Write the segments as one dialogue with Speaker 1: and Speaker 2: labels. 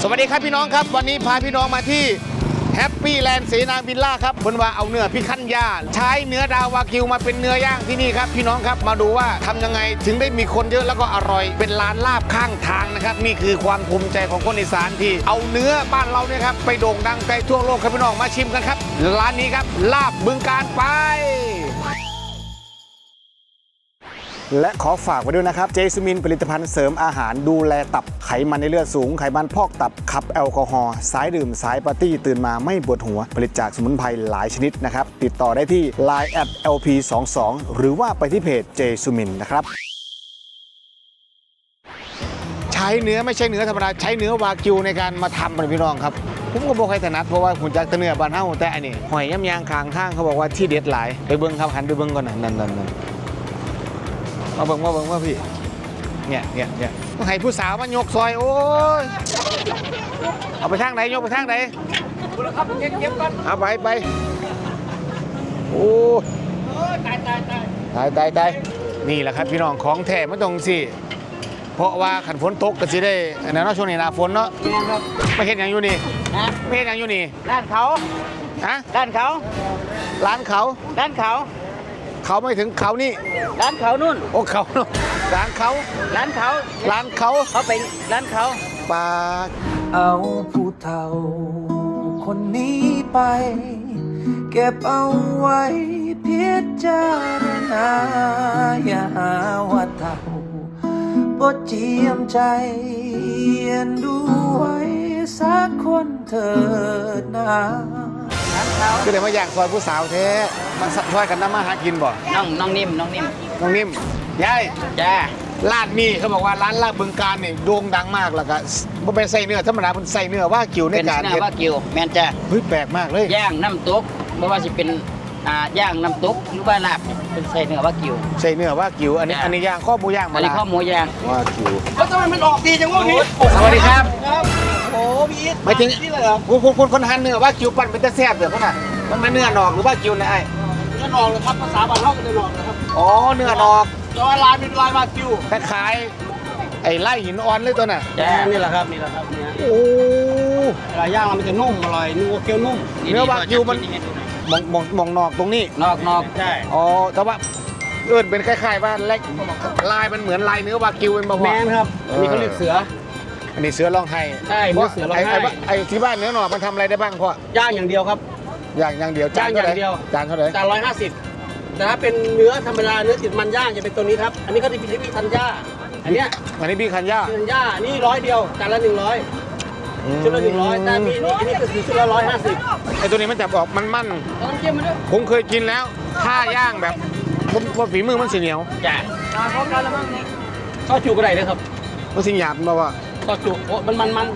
Speaker 1: วัสดีครับพี่น้องครับวันนี้พาพี่น้องมาที่แฮปปี้แลนด์เสนาวิลล่าครับบนว่าเอาเนื้อพิคันย่าใช้เนื้อดาวากิวมาเป็นเนื้อย่างที่นี่ครับพี่น้องครับมาดูว่าทำยังไงถึงได้มีคนเยอะแล้วก็อร่อยเป็นร้านลาบข้างทางนะครับนี่คือความภูมิใจของคนอีสานที่เอาเนื้อบ้านเราเนี่ยครับไปโด่งดังไกลทั่วโลกครับพี่น้องมาชิมกันครับร้านนี้ครับลาบบึงการไปและขอฝากไว้ด้วยนะครับเจสมินผลิตภัณฑ์เสริมอาหารดูแลตับไขมันในเลือดสูงไขมันพอกตับขับแอลกอฮอล์สายดื่มสายปาร์ตี้ตื่นมาไม่ปวดหัวผลิตจากสมุนไพรหลายชนิดนะครับติดต่อได้ที่ Line @lp22 หรือว่าไปที่เพจเจสมินนะครับใช้เนื้อไม่ใช่เนื้อธรรมดาใช้เนื้อวากิวในการมาทำเป็นพี่น้องครับผมก็บอกใครถนัดเพราะว่าหุ่นจักรเนื้อบ้านเฮาแต่อันนี้หอยย่ำยางคางทางเขาบอกว่าที่เด็ดหลายไปเบิ้งครับหันไปเบิ้งก่อนนั่นมาเบิ่งว่าพี่เนี่ยต้องให้ผู้สาวมายกซอยโอ้ยเอาไปทางไหนยกไปทางไหนครับเก็บก่อนเอาไปโอ้ตายนี่แหละครับพี่น้องของแท้ไม่ต้องสิเพราะว่าขันฝนตกก็สิได้อันนั้นเนาะช่วงนี้หน้าฝนเนาะไม่เห็นอย่างอยู่นี่ไม่เห็นอย่างอยู่นี่
Speaker 2: ด้านเขา
Speaker 1: ฮะ
Speaker 2: ด้านเขา
Speaker 1: ร้านเขา
Speaker 2: ด้านเขา
Speaker 1: เขาไม่ถึงเขานี่
Speaker 2: ร้านเขานู่น
Speaker 1: โอ้เขาร้านเขา
Speaker 2: ร้านเขาเขาไปร้านเขา
Speaker 1: ปา
Speaker 3: เอาผู้เฒ่าคนนี้ไปเก็บเอาไว้พิจารณาอย่าหาว่าเฒ่าบ่เจียมใจเอ็นดูไว้สักคนเถิดนะ
Speaker 1: ก็เลยมาอยากซอยผู้สาวแท้มันซอยกันน้ำมาหากินบ่
Speaker 2: น้องนิ่ม
Speaker 1: ยาย
Speaker 2: จ้า
Speaker 1: ร้านนี้เขาบอกว่าร้านลาบบึงการนี่โด่งดังมากแล้วก็บ่เป็นไส้เนื้อธรรมดาเป็นไส้เนื้อว่ากิวในการ
Speaker 2: เป็นเนื้อว่ากิวแม่นจ้า
Speaker 1: เฮ้ยแปลกมากเลย
Speaker 2: ย่างน้ำตกไม่ว่าจะเป็นย่างน้ำตกหรือว่าลาบเป็นไส้เนื้อว่ากิว
Speaker 1: ไส้เนื้อว่ากิวอันนี้ย่างข้อหมูย่างมา
Speaker 2: อันนี้ข้อหมูย่าง
Speaker 1: ว่ากิว
Speaker 2: แล้วทำไมมันออกดีจังวะนี่
Speaker 1: สวัสดีครับ
Speaker 2: โอ้พี่
Speaker 1: ไม่ถึงนี่เลยเหรอคนหั่นเนื้อว่ากิวปั่นเป็นตะแซ่บเด้อพ่อน่ะมันเป็นเนื้อหนอกหรือว่ากิวนะไอ้
Speaker 2: เนื้อหนอกเลยครับภาษาบ้านเราก็เนื้อหนอกนะครับ
Speaker 1: อ๋อเนื้อหนอก
Speaker 2: แต่ว่าลายเป็นลายว่ากิว
Speaker 1: คล้ายๆไอ้ไล่หินอ่อนเลยตัวน่ะ
Speaker 2: นี่แหละครับ
Speaker 1: โอ้
Speaker 2: เวลาย่างมันจะนุ่มอร่อยนัวเกี๊ยวนุ่ม
Speaker 1: เนื้อว่ากิวมันมองนอกตรงนี้
Speaker 2: นอก
Speaker 1: ใช่อ๋อแต่ว่าเป็นคล้ายๆว่าเล็กลายมันเหมือนลายเนื้อวากิวเป็นบ่พอ
Speaker 2: แมนครับอันนี้เขาเรียกเสือ
Speaker 1: อันนี้เสือร้องไห้
Speaker 2: ใช่เสือร้องไห้
Speaker 1: ไอ้ที่บ้านเนื้อหนอกมันทำอะไรได้บ้างพ่
Speaker 2: อย่างอย่างเดียวครับ
Speaker 1: อย่างเดียว
Speaker 2: จานเท่าไหร่
Speaker 1: จานเท่าไหร่
Speaker 2: จาน150แต่ถ้าเป็นเนื้อธรรมดาเนื้อติดมันย่างจะเป็นตัวนี้ครับอันนี้เขาที่พิพิธัญญาอันนี้
Speaker 1: พี่คันย่า
Speaker 2: นี่100เดียวจานละ100ชุดละ100แต่มีนี่อันนี้ก็คือชุดละ150
Speaker 1: ไอ้ตัวนี้มันจะบอกมันผมเคยกินแล้วถ้าย่างแบบว่าฝีมือมันสีเหนียว
Speaker 2: จ้ะพร้อมกันแล้วมั้งซอสจูก็ได้เลยครับ
Speaker 1: มันสีหยาบมาว่า
Speaker 2: ซอสจูโอ้มัน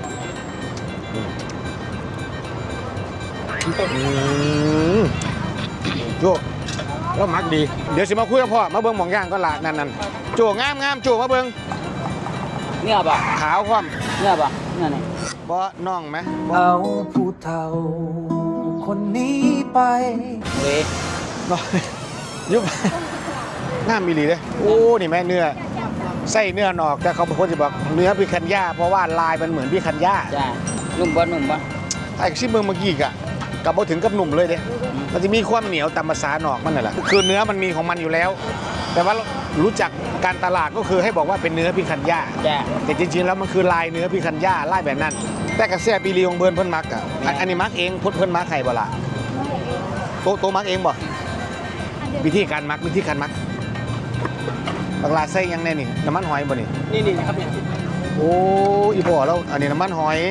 Speaker 1: โจ้แล้วมักดีเดี๋ยวสิมาคุยกับพ่อมาเบิ้งหม่องย่างก็ละนั่นโจ้งามโจ้มาเบิ้ง
Speaker 2: เนี่ยป่ะ
Speaker 1: ขาวคว่
Speaker 2: ำเนี่ยป่ะเนี่ยนี่
Speaker 1: บ่น่องไหม
Speaker 3: เอาผู้เฒ่าคนนี้ไป
Speaker 2: เว้ย
Speaker 1: ยุบงามมีหลีเลยโอ้นี่แม่เนื้อไส้เนื้อหนอกแต่เขาบางคนจะบอกเนื้อพิคันย่าเพราะว่าลายมันเหมือนพิคันย่า
Speaker 2: จ้านุ่มบ่
Speaker 1: ไอ้ชิมเมืองเมื่อกี้กะกับพอถึงกับหนุ่มเลยเด้มันจะมีความเหนียวตามภาษาหนอกมันนั่นแหละคือเนื้อมันมีของมันอยู่แล้ว แต่ว่ารู้จักการตลาดก็คือให้บอกว่าเป็นเนื้อพิคันย่าแต่จริงๆแล้วมันคือลายเนื้อพิคันย่าลายแบบนั้นแต่กระแสปีรีของเพิ่นมักอ่ะอันนี้มักเองเพิ่นมักไข่บ่ล่ะโตมักเองบ่วิธีการมักบางลาใส่ยังแน่นี่น้ำมันหอยบ่
Speaker 2: นี่ครับเนี่ย
Speaker 1: โอ้อีพ่อแล้วอันนี้น้ำมันหอย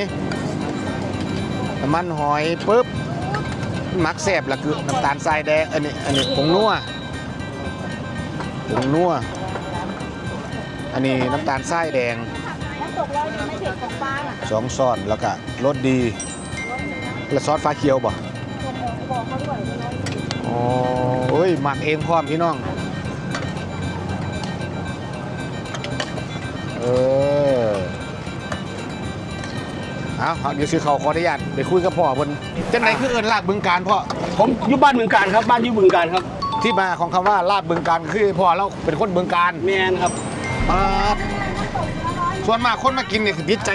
Speaker 1: ปุ๊บมักแซ่บละคือน้ำตาลทรายแดงอันนี้ผงนัวอันนี้น้ำตาลทรายแดง2 ช้อนแล้วก็รสดีแล้วซอสฟ้าเขียวบ่อ๋อเอ้ยหมักเองพร้อมพี่น้องเอาเดี๋ยวซื้อเขาขออนุญาตไปคุยกับพ่อบนจังไหนคือลาบบึงการพ่อ
Speaker 2: ผมอยู่บ้านบึงการครับบ้านอยู่บึงการครับ
Speaker 1: ที่มาของคำว่าลาบบึงการคือพ่อเราเป็นคนบึงการ
Speaker 2: แมนครับ
Speaker 1: ส่วนมากคนมากินเนี่ยติดใจ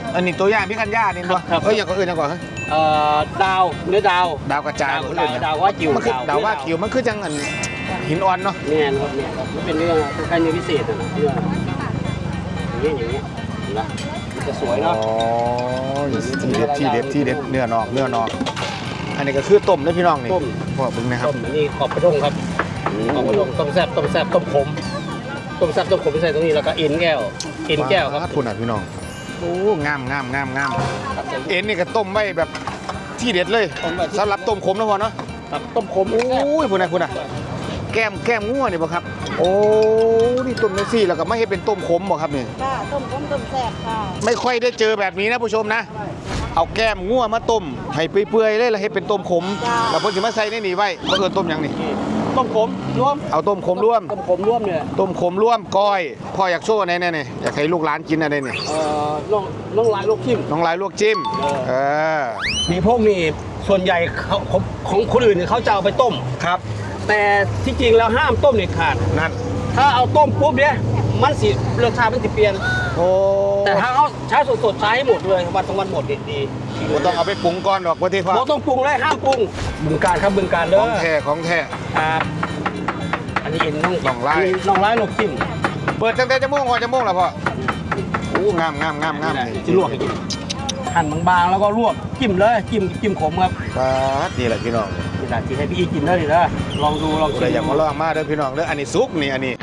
Speaker 1: อันนี้ตัวอย่างพี่คันย่านี่บ่
Speaker 2: ครับ
Speaker 1: อย่างก็อื่นอย่างก่อน
Speaker 2: ดาวเนื้อดาว
Speaker 1: ดาวกระจาย
Speaker 2: ดาวว่าจิ๋ว
Speaker 1: มันคือดาวว่าคิวมันคือจังอันหินอ่อนเนาะ
Speaker 2: เนี่ยครับเนี่ยมันเป็นเนื้อคล้ายๆเนื้อพิเศษนะเนื้ออย่างเงี้ยเห็นไหมมันจะสวยเนาะ
Speaker 1: อ๋อที่เด็ดเนื้อนอกอันนี้ก็คือต้มนะพี่น้องนี่
Speaker 2: ต้ม
Speaker 1: พวกเบิ่งนะครับ
Speaker 2: ต้มอันนี้ขอบกระด้งครับขอบกระด้งต้มแซ่บต้มขมต้มแซ่บต้มขมที่ใส่ตรงนี้แล้วก็เอ็นแก้วครับ
Speaker 1: คุณอ่ะพี่น้องโอ้งามเอ็นนี่ก็ต้มไว้แบบที่เด็ดเลยสำหรับต้มขมนะพ่อเนาะ
Speaker 2: ครับต้มขม
Speaker 1: โอ้ยคุณอ่ะแก้มงัวนี่บ่ครับโอ้นี่ต้มจังซี่แล้วก็ไม่ให้เป็นต้มขมบ่ครับนี่
Speaker 4: ค่ะต้มต้มแซ่บค่ะ
Speaker 1: ไม่ค่อยได้เจอแบบนี้นะผู้ชมนะ เอาแก้มงัวมาต้มให้เปื่อยๆเลยแล้วให้เป็นต้มขมแล้วเพิ่นสิมาใส่ในนี่ไว้บ่เอิ้นต้มหยังนี่
Speaker 2: ต้มขมรวม
Speaker 1: เอาต้มขมร่วม
Speaker 2: ต้มขมรวมเนี่ย
Speaker 1: ต้มขมร่วมก้อยพ่ออยากโชว์ไหนๆนี่อยากให้ลูกหลานกินอะไรนี่
Speaker 2: น้องลายลูกจิ้ม
Speaker 1: น้องลายลวกจิ้มเออ
Speaker 2: มีพวกนี่ส่วนใหญ่เขาของคนอื่นเนี่ยเขาจะเอาไปต้ม
Speaker 1: ครับ
Speaker 2: แต่ที่จริงแล้วห้ามต้มเด็ดขาด
Speaker 1: นั่น
Speaker 2: ถ้าเอาต้มปุ๊บเนี่ยมันสิรสชาติมันสิเปลี่ยน
Speaker 1: โอ้
Speaker 2: แต่ถ้าเขาใช้สดๆใช้ให้หมดเลยวันทั้งวันหมดดี
Speaker 1: บ่ต้องเอาไปปรุงก่อนดอกว่าที่ว่า
Speaker 2: เราต้องปรุงเลยห้ามปรุงบึงการครับบึงการเด้
Speaker 1: ข
Speaker 2: อ
Speaker 1: องแท้
Speaker 2: ครับอันนี้เอ็นน้อง
Speaker 1: น้องลาย
Speaker 2: น้องลายลูกจิ้ม
Speaker 1: เปิดตั้งแต่จะม่วงพอจะม่วงแล้วพ่อโอ้งามนี่
Speaker 2: จะลวกให้กินหั่นบางๆแล้วก็ลวกจิ้มเลยจิ้มขมครับ
Speaker 1: ครับนี่แหละพี่น้อง
Speaker 2: นี่แหละที่ให้พี่อีกินได้เลยนะลองดูลอง
Speaker 1: ผู้
Speaker 2: ชิ
Speaker 1: ใด
Speaker 2: ม
Speaker 1: อยากมาลองมาเด้อพี่น้องเด้ออันนี้ซุปนี่อันนี้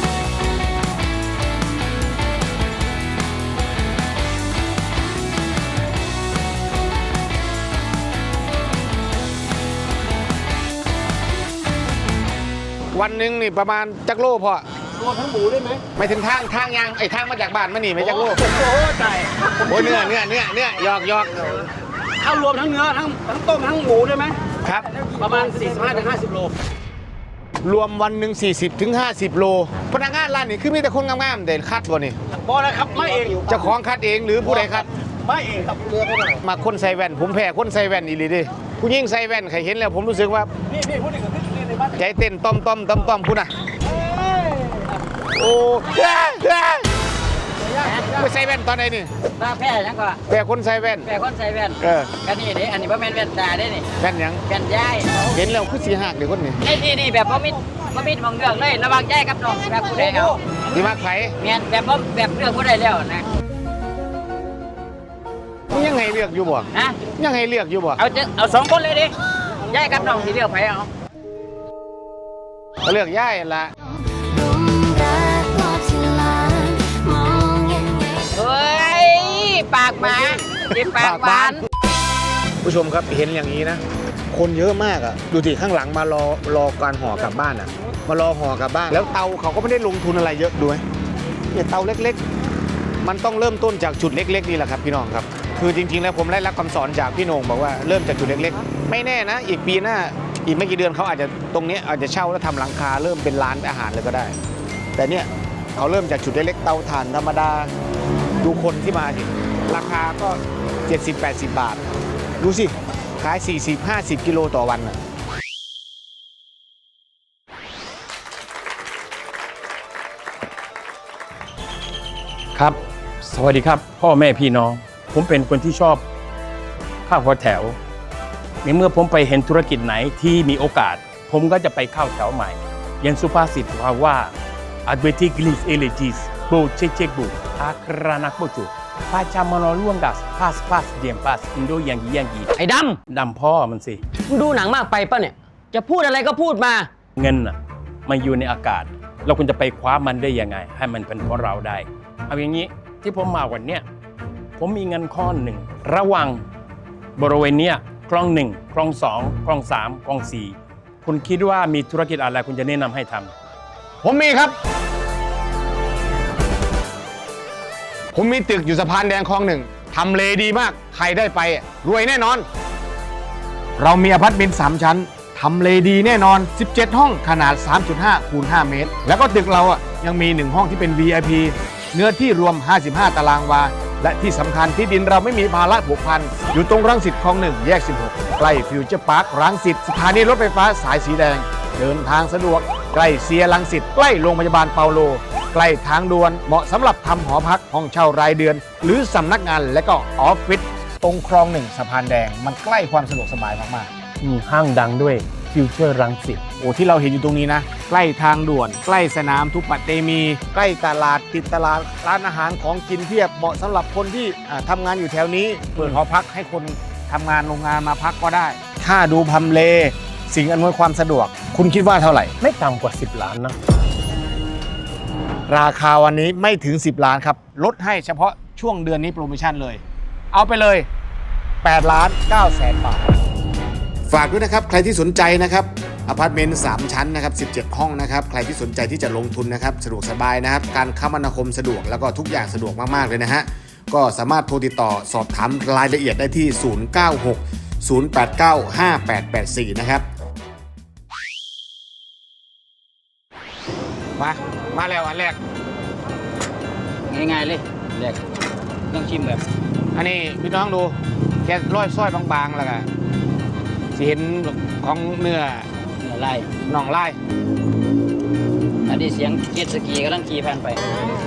Speaker 1: วันหนึ่งนี่ประมาณจักโลพอ
Speaker 2: รวมทั้งหมูได้ไหม
Speaker 1: ไม่ถึงทางยางไอ้ทางมาจากบ้านมานี่ไม่จักโล
Speaker 2: โอ้โหใจ
Speaker 1: โอ้ยเนื้อหยอก
Speaker 2: ถ้ารวมทั้งเนื้อทั้งต้มทั้งหมูได้ไหม
Speaker 1: ครับ
Speaker 2: ประมาณ 45-50 โล
Speaker 1: รวมวันหนึ่ง40 ถึง 50 โลพนักงานร้านนี่คือมีแต่คนงามๆเด่นคัดบ่นี่
Speaker 2: บอนะครับไม่เอง
Speaker 1: เจ้าของคัดเองหรือผู้ใดคัด
Speaker 2: ไม่เองครับเรือไม่ได้
Speaker 1: มาคนใส่แว่นผมแพ้คนใส่แว่นอีหลีดิผู้หญิงใส่แว่นใครเห็นแล้วผมรู้สึกว่า
Speaker 2: นี่พูดถึงขึ้นในบ้าน
Speaker 1: ใจเต้นต้อมพูดนะโอ้ไปใส่แว่นตอนไหนนี่
Speaker 5: ตาแพ้ยังก็
Speaker 1: แพ้คนใส่แว่น
Speaker 5: แพ้คนใส่แว่น
Speaker 1: เออ
Speaker 5: กันนี่เด้อันนี้บ่แม่นแว่นตาเด้นี่
Speaker 1: แว่นหยัง
Speaker 5: แว่นยาย
Speaker 1: เห็นแล้วคือสีหักเดี๋ยวคนนี้
Speaker 5: นี่แบบบ่มีมองเรื่องเลยระหว่างยายกับน้องแบบผู้ใดเอา
Speaker 1: ดีมากไผ
Speaker 5: แม่นแบบบ่แบบเรื่องผู้ใดแล้วนะ
Speaker 1: มึงยังไงเลือกอยู่บ่
Speaker 5: ฮะ
Speaker 1: ยังไงเลือกอยู่บ่
Speaker 5: เอาสองคนเลยดิยายกับน้องสิเลือกไผเอา
Speaker 1: เลือกย่ายละ
Speaker 5: เฮ้ยปากหมาสิปากหวาน
Speaker 1: ผู้ชมครับเห็นอย่างนี้นะ คนเยอะมากอ่ะดูสิข้างหลังมารอการห่อกลับบ้านอ่ะ มารอห่อกลับบ้าน แล้วเตาเขาก็ไม่ได้ลงทุนอะไรเยอะดูไหมเนี่ยเตาเล็กๆ มันต้องเริ่มต้นจากจุดเล็กๆนี่แหละครับพี่น้องครับ คือจริงๆแล้วผมได้รับคำสอนจากพี่โหน่งบอกว่าเริ่มจากจุดเล็กๆ ไม่แน่นะ อีกปีหน้าอีกไม่กี่เดือนเขาอาจจะตรงนี้อาจจะเช่าแล้วทำหลังคาเริ่มเป็นร้านอาหารเลยก็ได้ แต่เนี่ยเขาเริ่มจากจุดเล็กๆเตาถ่านธรรมดาดูคนที่มาสิราคาก็ 70-80 บาท ดูสิขาย 40-50 กิโลต่อวันน่ะ
Speaker 6: ครับ สวัสดีครับ พ่อแม่พี่น้อง ผมเป็นคนที่ชอบข้าวหัวแถวในเมื่อผมไปเห็นธุรกิจไหนที่มีโอกาส ผมก็จะไปเข้าแถวใหม่ยันสุภาษิตว่า advertiglis elegis bo cecek bu akranak bocu pacamano luanggas pas diem pas indo yang
Speaker 5: ไอ้ด
Speaker 6: ดำพ่อมันสิ
Speaker 5: ำมึงดูหนังมากไปป่ะเนี่ยจะพูดอะไรก็พูดมา
Speaker 6: เงินน่ะมันอยู่ในอากาศ เราควรจะไปคว้ามันได้ยังไง ให้มันเป็นของเราได้ เอาอย่างนี้ที่ผมมาวันเนี้ยผมมีเงินข้อหนึ่งระหว่างบริเวณเนี้ยคลอง1คลอง2คลอง3คลอง4คุณคิดว่ามีธุรกิจอะไรคุณจะแนะนำให้ทำ
Speaker 1: ผมมีครับ ผมมีตึกอยู่สะพานแดงคลองหนึ่งทำเลดีมาก ใครได้ไปรวยแน่นอน เรามีอพาร์ตเมนต์3ชั้นทำเลดีแน่นอน 17 ห้องขนาด 3.5 คูณ 5 เมตร แล้วก็ตึกเรายังมี1ห้องที่เป็น VIP เนื้อที่รวม 55 ตารางวา และที่สำคัญที่ดินเราไม่มีภาระผูกพัน อยู่ตรงรังสิตคลอง1แยก 16 ใกล้ฟิวเจอร์พาร์ครังสิตสถานีรถไฟฟ้าสายสีแดง เดินทางสะดวกใกล้เซียรังสิตใกล้โรงพยาบาลเปาโลใกล้ทางด่วนเหมาะสำหรับทำหอพักห้องเช่ารายเดือน หรือสำนักงานและก็ออฟฟิศตรงคลองหนึ่งสะพานแดงมันใกล้ความสะดวกสบายมากๆ
Speaker 6: ห้างดังด้วยฟิวเจอร์รังสิต
Speaker 1: โอ้ที่เราเห็นอยู่ตรงนี้นะใกล้ทางด่วน ใกล้สนามทุกปัตเตมี ใกล้ตลาดติดตลาดร้านอาหารของกินเพียบเหมาะสำหรับคนที่ทำงานอยู่แถวนี้เปิดหอพักให้คนทำงานโรงงานมาพักก็ได้ ถ้าดูพำเลสิ่งอำนวยความสะดวก คุณคิดว่าเท่าไหร่
Speaker 6: ไม่ต่ำกว่า 10 ล้านนะ
Speaker 1: ราคาวันนี้ไม่ถึง 10 ล้านครับ ลดให้เฉพาะช่วงเดือนนี้โปรโมชั่นเลย เอาไปเลย8ล้าน9แสนบาท ฝากด้วยนะครับ ใครที่สนใจนะครับอพาร์ตเมนต์3ชั้นนะครับ17 ห้องนะครับ ใครที่สนใจที่จะลงทุนนะครับสะดวกสบายนะครับ การคมนาคมสะดวกแล้วก็ทุกอย่างสะดวกมากๆเลยนะฮะ ก็สามารถโทรติดต่อสอบถามรายละเอียดได้ที่ 096 089 5884 นะครับ มาแล้วอันแรก
Speaker 2: ง่ายๆเลยแรกต้องชิมแบบ
Speaker 1: อันนี้พี่น้องดูแกร้อยซ้อยบางๆแล้วก็สิเห็นของเนื้อ
Speaker 2: ไล่
Speaker 1: น่องไล่
Speaker 2: อันนี้เสียงเจ็ตสกีกำลังขี่ผ่านไป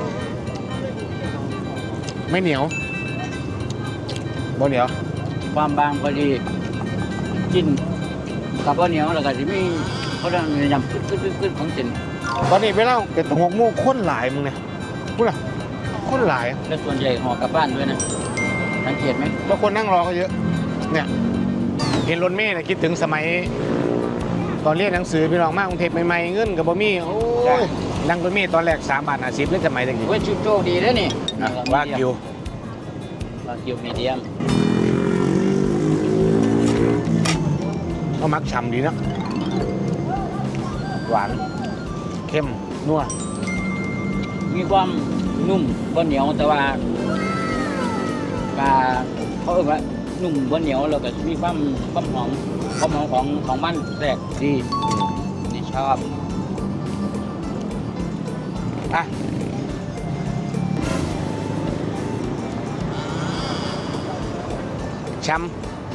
Speaker 1: ไม่เหนียวบ่เหนียว
Speaker 2: ความบางพอดีกินกับข้าวเหนียวแล้วก็จะมีเขาเรียกยำขึ้นของเส้น
Speaker 1: ตอนนี้เวลาเกิด6 โมงคนหลายมึงเนี่ยพูดอะคนหลาย
Speaker 2: และส่วนใหญ่ห่อกลับบ้านด้วยนะสังเกตไหม
Speaker 1: แล้วคนนั่งรอก็เยอะเนี่ยเห็นรถเมล์นะคิดถึงสมัย ตอนเรียนหนังสือพี่น้องมากกรุงเทพใหม่ๆเงินกับบ่มีโอ้ยนั่งรถเมล์ตอนแรก3 บาท50เลยสมัยตะกี้
Speaker 2: เว้ยชุดโชคดีแล้วนี่
Speaker 1: ว่าคิว
Speaker 2: วากิวมีเดียม
Speaker 1: ก็มักฉ่ำดีนะหวานเข้มนัว
Speaker 2: มีความนุ่มบ่เหนียวแต่ว่าเขาเรียกว่านุ่มบ่เหนียวแล้วก็มีความหอมของมันแทรกดีนี่ชอบ
Speaker 1: อ่ะช้ำ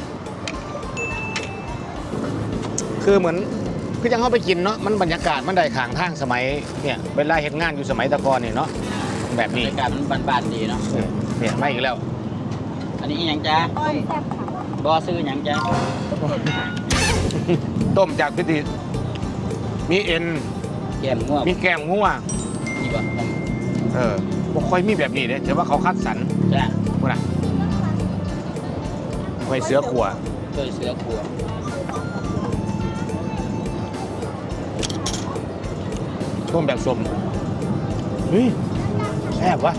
Speaker 1: คือเหมือนคือยังเข้าไปกินเนาะมันบรรยากาศมันได้ขางทางสมัยเนี่ยเวลาเห็นงานอยู่สมัยตะกอนเนี่ยเนาะแบบ
Speaker 2: บร
Speaker 1: นี้
Speaker 2: รยากาศมันบานๆดีเนาะ
Speaker 1: เนี่ยมาอีกแล้ว
Speaker 2: อันนี้อีหยังจ๊ะ
Speaker 4: ต้มแซ่บค่ะ
Speaker 2: บอซื้อหยังจ๊ะ
Speaker 1: ต้มจากพิธีมีเอ็น
Speaker 2: แก้มง่วง
Speaker 1: มีแกงงัว
Speaker 2: นี่บ่
Speaker 1: บ่ค่อยมีแบบนี้เด้แต่ว่าเขาคัดสรร
Speaker 2: จ้ะ
Speaker 1: พวกน่ะไว้เสือขัว
Speaker 2: ช่วยเสือขัว
Speaker 1: ต้มแบบส้มเฮ้ยแซ่บวะ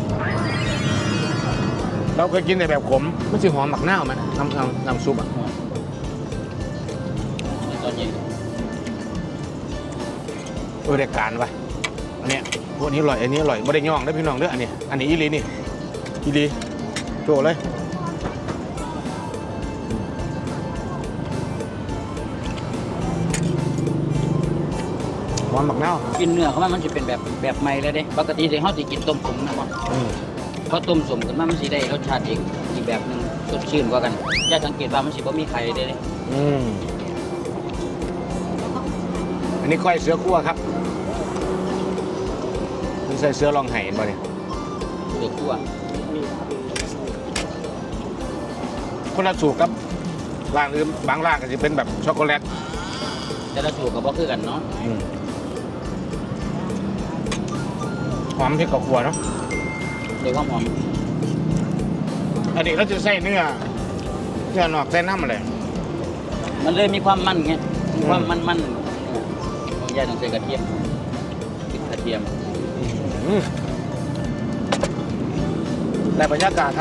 Speaker 1: เราเคยกินแต่แบบขมมันสิหอมหมักหน้าวไหมน้ำซุปอ่ะ
Speaker 2: ในตอนเย็น
Speaker 1: ได้การวะอันเนี้ยพวกนี้อร่อยอันนี้อร่อยไม่ได้ย่องได้อพี่น้องเด้ออันนี้อีหลีนี่อีหลีโจเลยหอมหมักหน้าว
Speaker 2: กินเนื้อเขามันจะเป็นแบบใหม่เลยเด้ปกติที่เขาสิกินต้มสมนะบ่เขาต้มสมขึ้นมามันสิได้รสชาติอีกแบบหนึงสดชื่นกว่ากันอย่าสังเกตว่ามันสิบ่มีไข่เด้
Speaker 1: อันนี้ก้อยเสือคั่วครับนี่ใส่เสือลองไห้บ่เนี่ย
Speaker 2: เสือขัว
Speaker 1: คนละสูตรครับร้านอื่นบางร้านก็จะเป็นแบบช็อกโกแลต
Speaker 2: แต่ละสูตรก็บ่คือกันเนาะ
Speaker 1: หอมพริกกับขัวเนาะ
Speaker 2: โดยความหอม
Speaker 1: อันนี้เราจะใส่เนื้อนอกใส่น้ำอะไร
Speaker 2: มันเลยมีความมันไงมีความมันของยายต้องใส่กระเทียมติดกระเทียม
Speaker 1: ในบรรยากาศครับ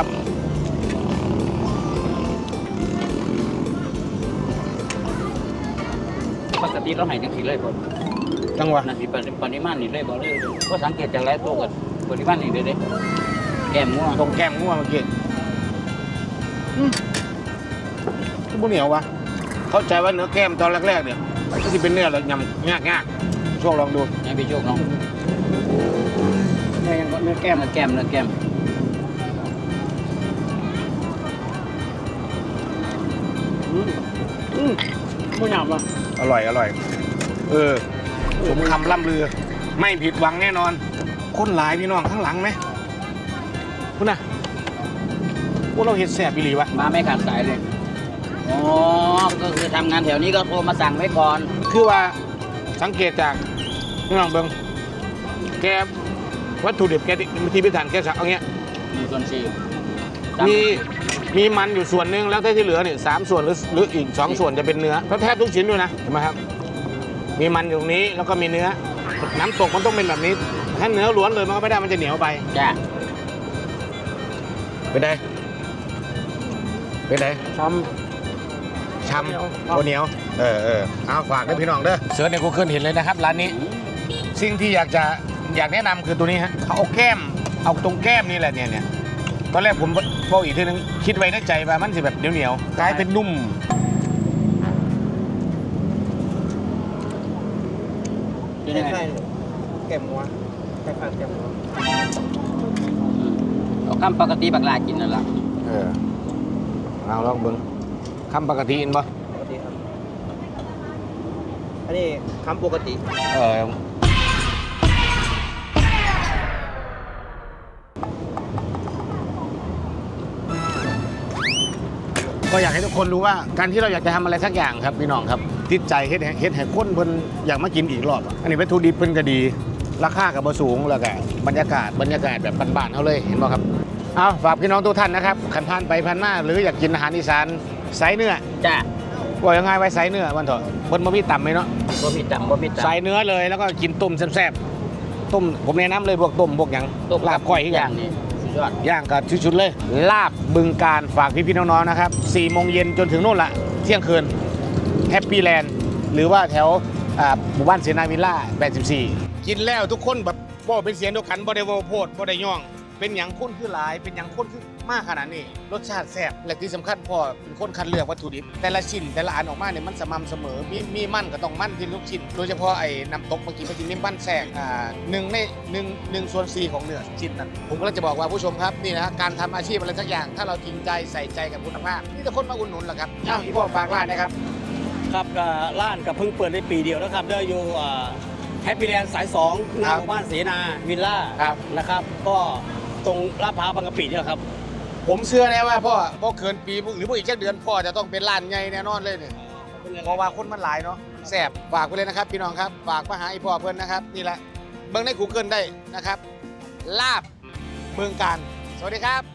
Speaker 2: ปกติเราให้จังซี่เลยบ่
Speaker 1: จังหวะ
Speaker 2: นั่นสิปริมาณนี่เลยบ่เลยก็สังเกตจากหลายตัวกันปริมาณนี่เลยเด้แก้มง่วง
Speaker 1: ตรงแก้มงัวเมื่อกี้ที่บุเหนียววะเข้าใจว่าเนื้อแก้มตอนแรกๆเนี่ยก็จะเป็นเนื้อแล้วยำยากๆช่วงลองดู
Speaker 2: ให้พี่โชคน้องเนื้อแก้มไม่หยาบว่ะ
Speaker 1: อร่อยสมคำล่ำลือ ไม่ผิดหวังแน่นอนคนหลายพี่น้องข้างหลังไหมคุณน่ะพวกเราเห็ดแสบอีหลีวะ
Speaker 2: มาไม่ขาดสายเลยอ๋อก็คือทำงานแถวนี้ก็โทรมาสั่งไว้ก่อน
Speaker 1: คือว่าสังเกตจากพี่น้องเบิ้งแกวัตถุดิบแกที่พิถันแกสั่งเอาเงี้ย
Speaker 2: 1/4
Speaker 1: มีมันอยู่ส่วนหนึ่งแล้วที่เหลือเนี่ย3 ส่วนหรืออีก2 ส่วนจะเป็นเนื้อแทบทุกชิ้นด้วยนะเห็นไหมครับมีมันอยู่ตรงนี้แล้วก็มีเนื้อน้ำตกมันต้องเป็นแบบนี้ถ้าเนื้อล้วนเลยมันก็ไม่ได้มันจะเหนียวไป
Speaker 2: จ้ะ
Speaker 1: เป็นไงเป็นไง
Speaker 2: ช้ำ
Speaker 1: ช้ำโอเหนียวเอาฝากด้วยพี่น้องเด้อเสิร์ชใน Google เห็นเลยนะครับร้านนี้สิ่งที่อยากแนะนำคือตัวนี้ฮะเขาเอาแก้มเอาตรงแก้มนี่แหละเนี่ยตอนแรกผมบอกอีกทีนึงคิดไว้ในใจว่ามันสิแบบเหนียวกลายเป็นนุ่ม
Speaker 2: เป็นยังไง
Speaker 3: แก้มหัวคล้ายๆแก้มหัว
Speaker 2: เอาคำปกติบักลากินนั่นแหละ
Speaker 1: เอาลองเบิ้งคำปกติอินบ่
Speaker 3: ปกติครับอันนี้คำปกติ
Speaker 1: ก็อยากให้ทุกคนรู้ว่าการที่เราอยากจะทำอะไรสักอย่างครับพี่น้องครับติดใจเฮ็ดให้คนเพิ่นอยากมากินอีกรอบอันนี้วัตถุดิบเพิ่นก็ดีราคาก็บ่สูงแล้วก็บรรยากาศแบบบ้านๆเขาเลยเห็นบ่ครับเอาฝากพี่น้องทุกท่านนะครับขันผ่านไปผ่านมาหรืออยากกินอาหารอีสานไซเนื้อ
Speaker 2: จ้ะ
Speaker 1: ว่ายังไงไว้ไซเนื้อวันเถอะเพิ่นบ่มีต่ำไหมเนาะ
Speaker 2: บ่มีต่ำ
Speaker 1: ใส่เนื้อเลยแล้วก็กินต้มแซ่บๆต้มผมแนะนำเลยพวกต้มพวกหยัง
Speaker 2: ต้ม
Speaker 1: ลาบก้อยที่อย่าง
Speaker 2: นี่สุดยอด
Speaker 1: ย่างก็ชุดๆเลย ลาบบึงการฝากพี่ๆน้องๆนะครับ4 โมงเย็นจนถึงโน่นละเที่ยงคืนแฮปปี้แลนด์หรือว่าแถวหมู่บ้านเสนาวิลล่า84กินแล้วทุกคนแบบบ่เป็นเสียงเดียวกันบ่ได้โวโพดบ่ได้ย่อง เป็นอย่างคนคือหลายเป็นอย่างคนคือมากขนาดนี้รสชาติแซ่บและที่สำคัญพ่อเป็นคนคัดเลือกวัตถุดิบแต่ละชิ้นแต่ละอันออกมาเนี่ยมันสม่ำเสมอมีมันก็ต้องมันที่ทุกชิ้นโดยเฉพาะไอ้น้ำตกเมื่อกี้มันจะมีมันแทรก1/4ของเนื้อชิ้นนั้นผมก็เลยจะบอกว่าผู้ชมครับนี่นะการทำอาชีพอะไรสักอย่างถ้าเราจริงใจใส่ใจกับคุณภาพนี่แต่คนมาอุดหนุนแหละครับอ้าวพี่พ่อฝากร้านนะครับ
Speaker 7: ครับร้านกับเพิ่งเปิดได้ปีเดียวนะครับได้อยู่แฮปปี้แลนด์สาย2หน้าหมู่บ้านเสนาวิลล่า
Speaker 1: ครับ
Speaker 7: นะครับ ก็ตรงลาดพร้าวบางกะปิเนี่ยครับ
Speaker 1: ผมเชื่อแน่ว่าพ่อเกินปีหรือพ่ออีกแค่เดือนพ่อจะต้องเป็นร้านใหญ่แน่นอนเลยเนี่ยเพราะว่าคนมันหลายเนาะแซ่บฝากไปเลยนะครับพี่น้องครับฝากมาหาไอ้พ่อเพื่อนนะครับนี่แหละเบิ่งใน Google ได้นะครับลาบเมืองการสวัสดีครับ